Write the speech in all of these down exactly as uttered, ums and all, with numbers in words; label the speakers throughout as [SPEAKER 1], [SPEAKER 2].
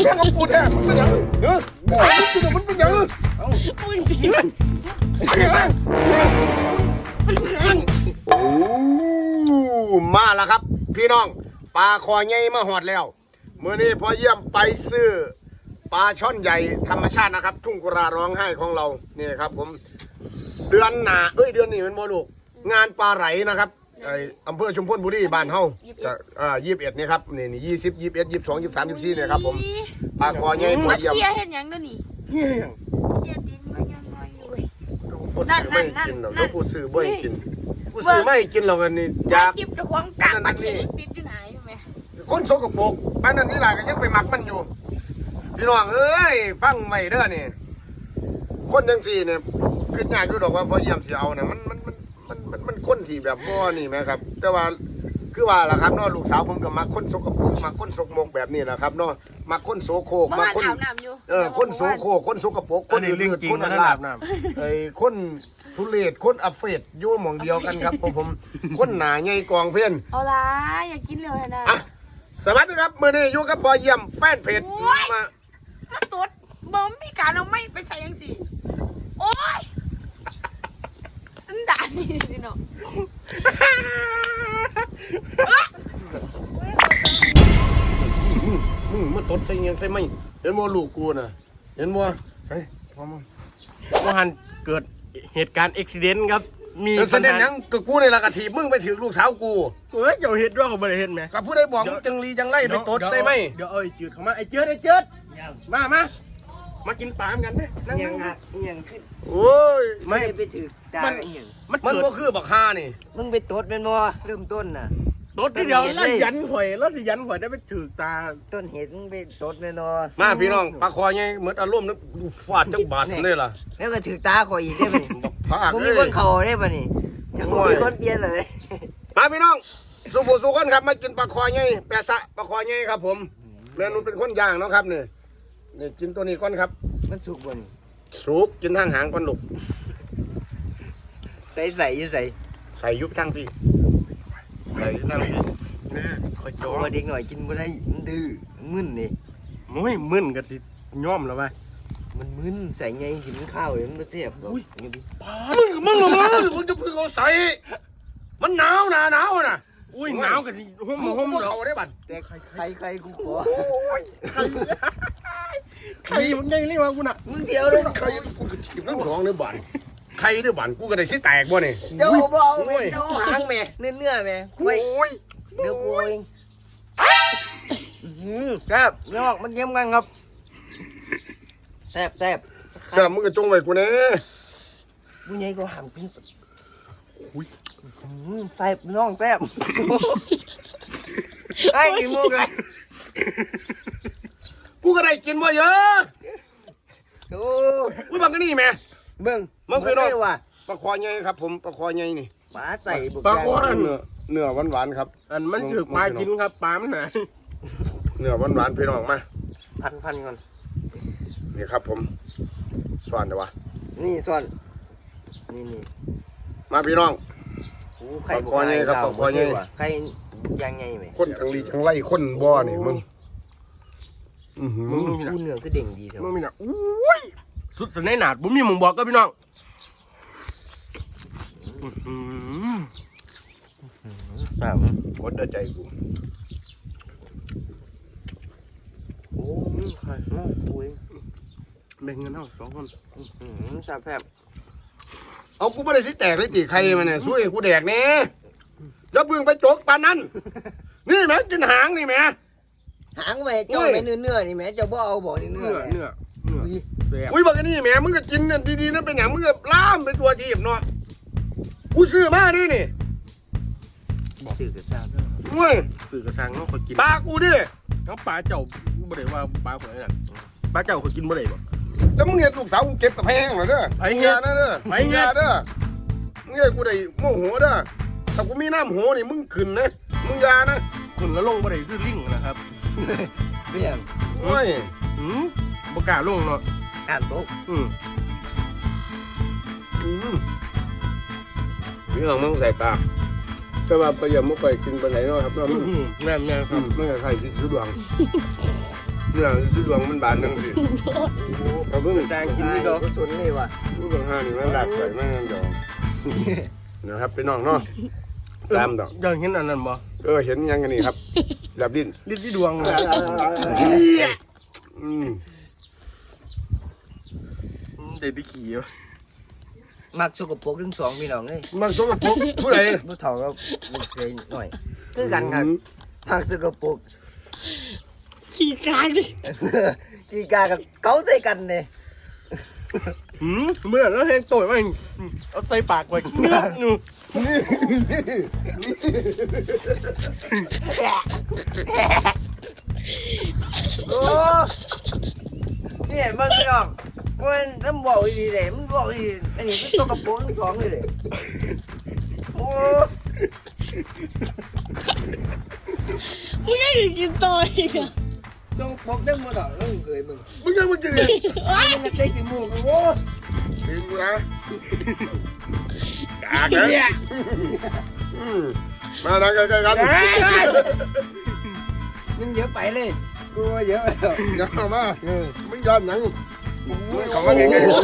[SPEAKER 1] แค่กับกูแท้มันเป็นยังเออมันเป็นยังมันเป็นยังโอ้มาแล้วครับพี่น้องปลาคอใหญ่มาหอดแล้วเมื่อนี้พอเยี่ยมไปซื้อปลาช่อนใหญ่ธรรมชาตินะครับทุ่งกุราร้องไห้ของเรานี่ครับผมเดือนหนาเอ้ยเดือนนี้เป็นโมลูกงานปลาไหลนะครับไออำเภอชุมพลบุรีบ้านเฮาจะอ่ายี่สิบเอ็ดนี่ครับนี่นี่ยี่สิบยี่สิบเอ็ดยี่สิบสองยี่สิบสามยี่สิบสี่เนี่ยครับผมปลาคอใหญ่พอเยี่ยม
[SPEAKER 2] เฮียเห็นยังด้วยนี่
[SPEAKER 1] เฮีย
[SPEAKER 2] เฮียดินมายังไงอยู่
[SPEAKER 1] ผู้ซื้อไม่กินหรอกแล้วผู้ซื้อไม่กินผู้ซื้อไม่กินหรอกอันนี้อยาก
[SPEAKER 2] จิบจะควงกลางประเทศติดอยู่ไหนใช่ไหม
[SPEAKER 1] คนสกปรกบ้านนั้นนี่หลายก็ยังไปหมักมันอยู่พี่น้องเอ้ยฟังไม่เด้อนี่คนจังสี่เนี่ยขึ้นยากอยู่ดอกว่าพอเยี่ยมเสียเอาเนี่ยมันมันมันมันมันมันคนที่แบบบ่นี่ไหมครับแต่ว่าคือว่าล่ะครับเนาะลูกสาวผมก็มักคนสกปรกมักคนสกมกแบบนี้แหละครับเนาะมักคนโสโครกมักคนเออคนโสโครกคนสกปรกคนลื่นคนอันลาบไอ้คนทุเรศคนอัฟเฟดอยู่หม่องเดียวกันครับผมผมคนหนาใหญ่กองเพี้ยน
[SPEAKER 2] เอาละอยากกินเร็วนะ
[SPEAKER 1] อ่ะสวัสดีครับมื่อนี้อยู่กับพอเยี่ยมแฟนเพจมา
[SPEAKER 2] มาตรวจบอมมีการเอาไม่ไปใส่ยังสิโอ้ยสันดานนี่สิเนาะ
[SPEAKER 1] มึงมันตดใส่เงี้ยใส่ไม่เห็นบ่ลูกกูน่ะเห็นบ่ใส่พอมั้ง
[SPEAKER 3] ว่าหันเกิดเหตุการณ์อุบิเหตุครับมี
[SPEAKER 1] เสด็จยังกับกูในละกะถีมึงไปถือลูกสาวกู
[SPEAKER 3] เฮ้ยเจ้าเห็ดด้วยเขาไม่ได้เห็นไหม
[SPEAKER 1] กับผู้ใดบอกมึงจังลีจังไล่ไปตดใส่ไหม
[SPEAKER 3] เดี๋ยวเอ้ยจืดเข้ามาไอ้เจิดไอ้เจิดมามามากินปลาเหมือนกันนะนั่ง
[SPEAKER 4] ยัง
[SPEAKER 3] นั่
[SPEAKER 4] อ่ะ
[SPEAKER 3] ง
[SPEAKER 4] ยังขึ้น
[SPEAKER 1] โอ้ย
[SPEAKER 4] ไม่ได้ไปถือตา
[SPEAKER 3] มัน
[SPEAKER 4] อหยัง
[SPEAKER 3] มัน
[SPEAKER 1] มัน
[SPEAKER 3] เกิด
[SPEAKER 1] ก็คือบักฮานี่
[SPEAKER 4] มึงไปตดเป็นบ่เริ่มต้นน่ะ
[SPEAKER 3] รถที่เดียวแล้วยันหอยแล้วสิยันหอยได้ไปถือตา
[SPEAKER 4] ต้นเหตุมึงไปตดเป็นบ่
[SPEAKER 1] มาพี่น้องปลาคอไงเหมือนอารมณ์นึกฟาดจังบาดเลยล่ะ
[SPEAKER 4] แล้วก็ถือตาข่อยอีกได้ป่ะนี่
[SPEAKER 1] บักพาก
[SPEAKER 4] มึง
[SPEAKER 1] เล
[SPEAKER 4] มี
[SPEAKER 1] ย
[SPEAKER 4] คนเข่าได้ป่ะนี่ยังบ่มีคนเปลี่ยนเลย
[SPEAKER 1] มาพี่น้องสุภูสุกันครับมากินปลาคอไงแปะสะปลาคอไงครับผมเรียนนุ่นเป็นคนย่างเนาะครับนี่นี่กินตัวนี้ก่อนครับ
[SPEAKER 4] มันสุกบ่นี่
[SPEAKER 1] สุกกินทางหางก่อนลูก
[SPEAKER 4] ใส่ใส่อยู่ใส่
[SPEAKER 1] ใส่ยุบทั้งพี่ใส่ทั้งพี่
[SPEAKER 3] เนี่ยคอย
[SPEAKER 4] โต
[SPEAKER 3] จ่อ
[SPEAKER 4] มาเด็กหน่อยกินบ่ได้มันดื้อมันมึนนี่
[SPEAKER 3] มุ้ยมึนกันสิย่อมแล้วไป
[SPEAKER 4] มันมึนใส่ไงกินข้าวเดี๋ยวมันบ่แซ่บดอกอย่างนี้
[SPEAKER 1] มึงมึงลงมามึงจะพึ่งเอาใส่มันหนาวหนาหนาวน่ะ
[SPEAKER 3] อุ้ยหนาวกันสิห่ม
[SPEAKER 1] มึง
[SPEAKER 3] ห่ม
[SPEAKER 1] มึง
[SPEAKER 3] ดอก
[SPEAKER 1] เขาได้บัตร
[SPEAKER 4] แต่ใครใครกูขอ
[SPEAKER 3] ใครมันยังเรียกว่ากูน่ะ
[SPEAKER 4] มึงเดียวเลย
[SPEAKER 1] ใครกูจะถีบน้ำของในบัตรใครได้บัตรกูก็ได้สิแตกบ่เนี่ย
[SPEAKER 4] เจ้าบ่เอาแม่เจ้าหางแม่เนื้อๆแม่ไว้
[SPEAKER 1] โอ้ย
[SPEAKER 4] เดี๋ยวกูเองอืมแซ่บเนื้อออกมันเยี่ยมกันครับแซ่บแซ่บ
[SPEAKER 1] เสื้อมึงก็จงไว้กูเนี่ย
[SPEAKER 4] ผู้ใหญ่ก็หามกินอุ้ยแซ่บน้องแซ่บไอ้กินมุกเลย
[SPEAKER 1] กูก็ได้กินบ่เยอะ
[SPEAKER 4] โอ้
[SPEAKER 1] กูบังกันนี่แม่
[SPEAKER 4] เบิ่ง
[SPEAKER 1] มึงพี่น้อง
[SPEAKER 4] ได้ว่ะ
[SPEAKER 1] ปลาคอใหญ่ครับผมปลาคอใหญ่นี่
[SPEAKER 4] ปลาใส่บุก
[SPEAKER 3] ปลา
[SPEAKER 4] แกง
[SPEAKER 3] อ้วน
[SPEAKER 1] เนื้อเนื้อหวานๆครับ
[SPEAKER 3] อันมันถือปลากินครับปลามันไหน
[SPEAKER 1] เนื้อหวานๆพี่น้องมา
[SPEAKER 4] พันพันก่อน
[SPEAKER 1] นี่ครับผมสวานเดี๋ยววะ
[SPEAKER 4] นี่ซ่อนนี่นี่
[SPEAKER 1] มาพี่น้อง
[SPEAKER 4] โอ้ไข่
[SPEAKER 1] ปลาคอใหญ่ครับปลาคอใหญ่
[SPEAKER 4] ไข่ยังไงไหม
[SPEAKER 1] คนจังลีจังไล่คนบ่อนี่มึงอือหือ
[SPEAKER 3] มึงมีหนั
[SPEAKER 4] กูเนื้อก็เด้งดีเถอะ
[SPEAKER 3] มึงมีหนัอุ้ยสุดสนหนาดบุ้มมีมึงบอกก็พี่น้องอื้อ
[SPEAKER 4] สาม
[SPEAKER 1] กดเดือใจกู
[SPEAKER 4] โอ้ยไข่โอ้ย
[SPEAKER 3] แบ่งเงินเอาสองคน
[SPEAKER 4] อืมแซ่บแซ่บ
[SPEAKER 1] เอากูไม่ได้สิแตกเลยติใครมันเนี่ยสู้เองกูแดกเนี่ยอย่าเพิ่งไปจกปานนั้นนี่แม่กินหางนี่แม่
[SPEAKER 4] หางแม่เจ้าแม่เนื้อเนื้อนี่แม่เจ้าบ่เอาบ่นี่เนื้
[SPEAKER 3] เนื้
[SPEAKER 4] อ
[SPEAKER 3] อเนื้อเนื้อแซ่บ
[SPEAKER 1] อุ้ยบอกกันนี่แม่มึงก็กินเนี่ยดีๆนั่นเป็นอย่างมึงก็ล่ามเป็นตัวทีบเนาะกูซื้อมาดินี่
[SPEAKER 4] สื่อกระซ่า
[SPEAKER 1] เว้ย
[SPEAKER 3] สื่อกระชังเขากิน
[SPEAKER 1] ปลากูดิ
[SPEAKER 3] เขาปลาเจ้าบ่ได้ว่าปลาคนนั้นปลาเจ้าเขากินบ่ได้บ่
[SPEAKER 1] แล้วมึงเห็นลูกสาวกูเก็บกับแพงเหรอเด้อ
[SPEAKER 3] ไอ้เหี้ย
[SPEAKER 1] นะเด้อ
[SPEAKER 3] ไอ้เหี้ย
[SPEAKER 1] มึงอาเด้อมึงเห็นกูได้โมโหเด้อถ้ากูมีน้ำโหนี่มึงขึ้นนะมึงอยานะ
[SPEAKER 3] คนละลงบ่ได้คือลิงนะครับ
[SPEAKER 4] เปรี้ยว
[SPEAKER 1] โอ้ย
[SPEAKER 3] อืมบ่กล้าลงเนาะ
[SPEAKER 4] การโต๊ะ
[SPEAKER 3] อืม
[SPEAKER 1] อืมนี่ลองมึงใส่ปากก็ว่าไปอย่ามุกไปกินไปไหนเนาะครับเนาะมึง
[SPEAKER 3] แม่นแม่นค
[SPEAKER 1] อื
[SPEAKER 3] รับ
[SPEAKER 1] มไม่ใช่ใครที่ซื้อดวงเนี่ยสิดวงมันบานจังสิเอาเพิ่ง
[SPEAKER 3] แซงกินนี่ก็
[SPEAKER 4] ก็สนเลยว่ะ
[SPEAKER 1] ผู้บางห้านี่มันหลากไปมากเดี๋ยวนะครับเป็นน้องเนาะสามดอก
[SPEAKER 3] ยังเห็นอันนั้นบ่
[SPEAKER 1] เออเห็นยังกันนี่ครับแลบดิ้น
[SPEAKER 3] ลิ้นที่ดวงเลย
[SPEAKER 1] อืม
[SPEAKER 3] เด็ดที่ขี่
[SPEAKER 4] มักสกปรกทั้งสองพี่น้องเลย
[SPEAKER 1] มันสกปรกผู้ใด
[SPEAKER 4] ผู้เฒ่าก็บ่เคยหน่อยคือกันครับมักสกปรก
[SPEAKER 2] ขี้กากดิ
[SPEAKER 4] กีกากับเกาใส่กันเนี่ย
[SPEAKER 3] หืมเมื่อแล้วเห็นตัวมันเอาใส่ปากไว้เนื้อนู
[SPEAKER 4] โอ้เนี่ยมันพี่น้องมันน้ำบอกดีเลยมันบอกดีอันนี้เป็นตัวกระโปรงทั้งสองเลยโอ้
[SPEAKER 2] มึงยังกินต่ออีกอ่ะ
[SPEAKER 4] ต้องปกได้หมดอ่ะต้องเคยมึง
[SPEAKER 1] มึงยังมึงกินเนี่ย
[SPEAKER 4] มันจะเจ๊กินหมูกันโว้
[SPEAKER 1] กินกูนะกากเลยอืมมานั่งใกล้ๆกัน
[SPEAKER 4] มันเยอะไปเลยกูว่าเยอะแล้ว
[SPEAKER 1] อย่าเข้ามามึงย้อนหนังมึงเข้ามาใกล้ๆกู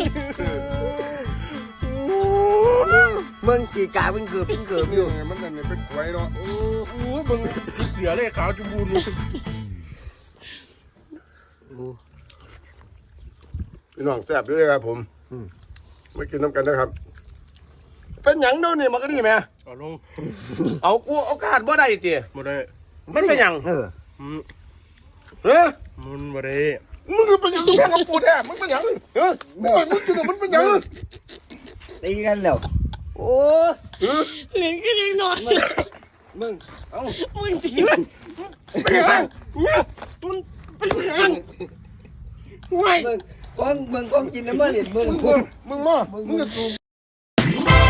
[SPEAKER 4] มึงขี่กาเป็นเกือบเป็นเกือบอยู่
[SPEAKER 1] มันนั่นเป็นขวยเนาะ
[SPEAKER 3] โอ้โหมึงเหลือเลยขาวจุบูน
[SPEAKER 1] พี่น้องแซ่บด้วยครับผมไม่กินน้ำกันนะครับ เป็นหยังโน่นนี่มันก็นี่แม่
[SPEAKER 3] เอาลง
[SPEAKER 1] เอากูเอาขาดบ่ได้ตี
[SPEAKER 3] บ่ได้
[SPEAKER 1] มันเป็นหยัง
[SPEAKER 4] เออ
[SPEAKER 3] อืม
[SPEAKER 1] เฮ้ย
[SPEAKER 3] มันบ่ได้
[SPEAKER 1] มึงเป็นหยังแม่กับปูแท้มึงเป็นหยังเฮ้ยมึงเป็นมึงกินแต่มันเป็นหยัง
[SPEAKER 4] ตีกันแล้วโอ้
[SPEAKER 1] เฮ้ย
[SPEAKER 2] เหลือก็ยังนอน
[SPEAKER 4] มึงเอ้า
[SPEAKER 2] มึงตี
[SPEAKER 1] เป็นหยังเนี่ยมันเป็นหยังไม่
[SPEAKER 4] มึงก้องมึงก้องกินน้ำมันเหรียญมึง
[SPEAKER 1] มึงมึงมามึงจะสูบ